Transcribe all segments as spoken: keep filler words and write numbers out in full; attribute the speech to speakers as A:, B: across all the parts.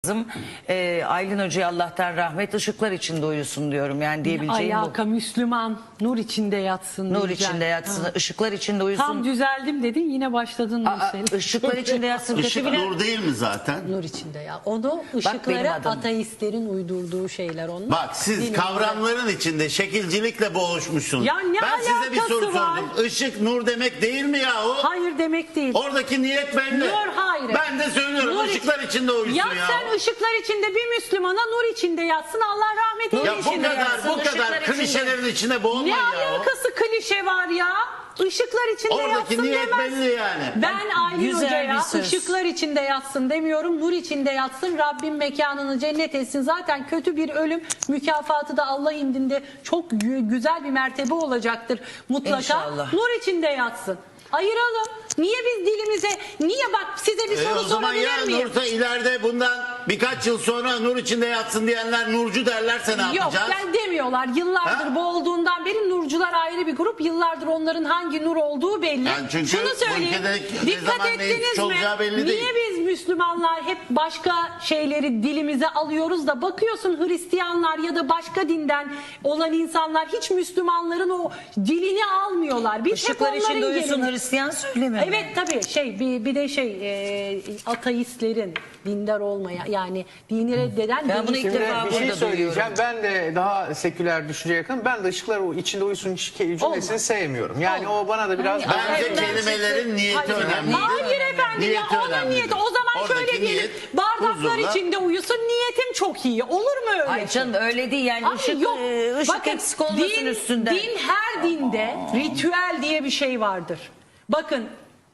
A: Ee, Aylin Hoca'ya Allah'tan rahmet, ışıklar içinde uyusun diyorum yani diyebileceğim
B: Alaka
A: bu.
B: Müslüman nur içinde yatsın.
A: Nur
B: diyeceğim.
A: içinde yatsın,
B: Ha.
A: ısıklar içinde uyusun.
B: Tam düzeldim dedin yine başladın Nursel.
A: Işıklar içinde yatsın.
C: Işık
A: kötü bile-
C: nur değil mi zaten?
D: Nur içinde ya. Onu
A: benim
D: ışıklara
A: adım.
D: ateistlerin uydurduğu şeyler onlar.
C: Bak siz
D: Dinimizde-
C: kavramların içinde şekilcilikle boğuşmuşsunuz.
B: Ya ne
C: ben size bir
B: alakası
C: soru
B: var?
C: sordum. Işık nur demek değil mi yahu?
B: Hayır demek değil.
C: Oradaki niyet belli.
B: Nur hayır.
C: Ben de söylüyorum
B: Nur
C: ışıklar
B: iç-
C: içinde uyusun
B: ya.
C: ya.
B: Sen ışıklar içinde bir Müslümana nur içinde yatsın, Allah rahmet
A: Nur
B: eylesin.
C: Ya bu
A: içinde
C: kadar
A: yatsın,
C: bu
A: ışıklar
C: kadar
A: içinde.
C: klişelerin içine boğulmayın
B: Ne
C: ya.
B: alakası klişe var ya? Işıklar içinde
C: Oradaki
B: yatsın
C: niyet
B: demez.
C: belli yani.
B: Ben Aylin
A: Güzel
B: Hoca'ya
A: bir söz.
B: ışıklar içinde yatsın demiyorum. Nur içinde yatsın. Rabbim mekanını cennet etsin. Zaten kötü bir ölüm mükafatı da Allah indinde çok gü- güzel bir mertebe olacaktır mutlaka.
A: İnşallah.
B: Nur içinde yatsın. Ayıralım. Niye biz dilimize, niye bak size bir
C: E
B: soru
C: o zaman
B: sorabilir
C: ya
B: miyim?
C: Nursa ileride bundan birkaç yıl sonra nur içinde yatsın diyenler nurcu derlerse ne
B: Yok
C: yapacağız?
B: ben demiyorlar. Yıllardır
C: Ha?
B: bu olduğundan beri nurcular ayrı bir grup. Yıllardır onların hangi nur olduğu belli.
C: Yani çünkü
B: Şunu
C: bu
B: söyleyeyim.
C: ülkede ne
B: Dikkat
C: zaman neyin
B: ettiniz
C: suç
B: mi?
C: olacağı belli
B: Niye
C: değil.
B: biz Müslümanlar hep başka şeyleri dilimize alıyoruz da bakıyorsun Hristiyanlar ya da başka dinden olan insanlar hiç Müslümanların o dilini almıyorlar. Biz
A: Işıklar
B: hep onların
A: içinde uyusun
B: gelini-
A: Hristiyan söylemiyor.
B: Evet tabii şey bir, bir de şey e, ateistlerin dindar olmaya yani dini reddeden
A: Ben bunu ilk
B: deistler-
A: defa
E: Bir şey
A: burada
E: söyleyeceğim.
A: duyuyorum.
E: Ben de daha seküler düşünceye yakın. Ben de ışıklar o içinde uyusun cümlesini
B: Olmaz.
E: sevmiyorum. Yani
B: Olmaz.
E: o bana da biraz...
A: Hayır,
C: Bence
A: Hayır,
C: kelimelerin niyeti
B: Hayır.
C: önemli.
B: Hayır efendim
C: Niyeti
B: ya onun
C: önemlidir.
B: niyeti. O zaman
C: Oradaki
B: şöyle diyelim.
C: niyet
B: Bardaklar
C: huzurla-
B: içinde uyusun niyetim çok iyi. Olur mu öyle?
A: Ay canım öyle değil yani
B: Ay
A: ışık,
B: yok.
A: e, ışık
B: Bakın,
A: eksik olmasın
B: din,
A: üstünden.
B: Din her dinde ritüel diye bir şey vardır. Bakın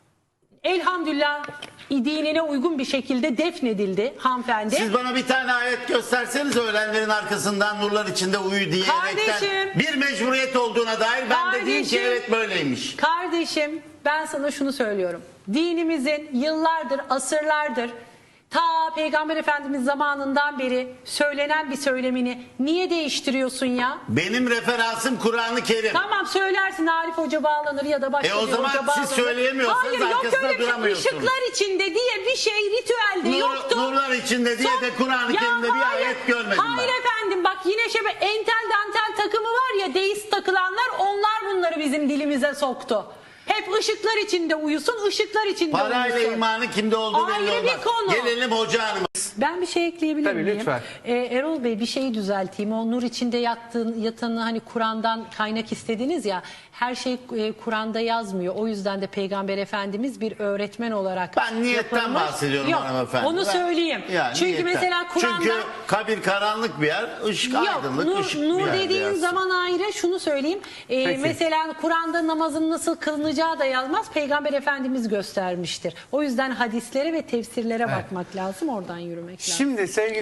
B: elhamdülillah dinine uygun bir şekilde defnedildi hanımefendi.
C: Siz bana bir tane ayet gösterseniz öğlenlerin arkasından nurlar içinde uyu diyerekten
B: Kardeşim.
C: bir mecburiyet olduğuna dair ben de diyeyim ki
B: Kardeşim.
C: evet böyleymiş.
B: Kardeşim ben sana şunu söylüyorum. Dinimizin yıllardır, asırlardır ta Peygamber Efendimiz zamanından beri söylenen bir söylemini niye değiştiriyorsun ya?
C: Benim referansım Kur'an-ı Kerim.
B: Tamam söylersin Arif Hoca bağlanır ya da başka
C: E o
B: bir
C: zaman
B: hoca
C: siz
B: bağlanır.
C: söyleyemiyorsanız
B: Hayır yok
C: arkasında
B: öyle bir şey.
C: duramıyorsunuz.
B: Işıklar içinde diye bir şey ritüelde
C: Nur-
B: yoktu.
C: nurlar içinde diye de Kur'an-ı
B: Ya
C: Kerim'de bir
B: hayır,
C: ayet görmedim
B: Hayır
C: ben.
B: efendim bak yine şey entel dantel takımı var ya deist takılanlar onlar bunları bizim dilimize soktu. Hep ışıklar içinde uyusun, ışıklar içinde
C: Parayla
B: uyusun.
C: imanı kimde olduğu
B: Ayrı
C: belli
B: bir
C: olmaz.
B: konu.
C: Gelelim hoca hanıma.
B: Ben bir şey ekleyebilir
E: Tabii,
B: miyim?
E: lütfen.
B: Ee, Erol Bey bir şeyi düzelteyim. O nur içinde yattığın, yatanı hani Kur'an'dan kaynak istediniz ya. Her şey e, Kur'an'da yazmıyor. O yüzden de Peygamber Efendimiz bir öğretmen olarak
C: Ben niyetten
B: yapılmış.
C: bahsediyorum
B: Yok,
C: hanımefendi.
B: onu
C: Ben-
B: söyleyeyim.
C: Yani
B: Çünkü
C: niyetten.
B: mesela Kur'an'da...
C: Çünkü kabir karanlık bir yer, ışık
B: Yok,
C: aydınlık,
B: nur,
C: ışık
B: nur
C: bir yer
B: dediğin
C: yansın.
B: zaman ayrı. Şunu söyleyeyim. Ee,
E: Peki.
B: mesela Kur'an'da namazın nasıl kılınacağı da yazmaz. Peygamber Efendimiz göstermiştir. O yüzden hadislere ve tefsirlere bakmak lazım. Oradan yürümek lazım.
E: Şimdi sevgili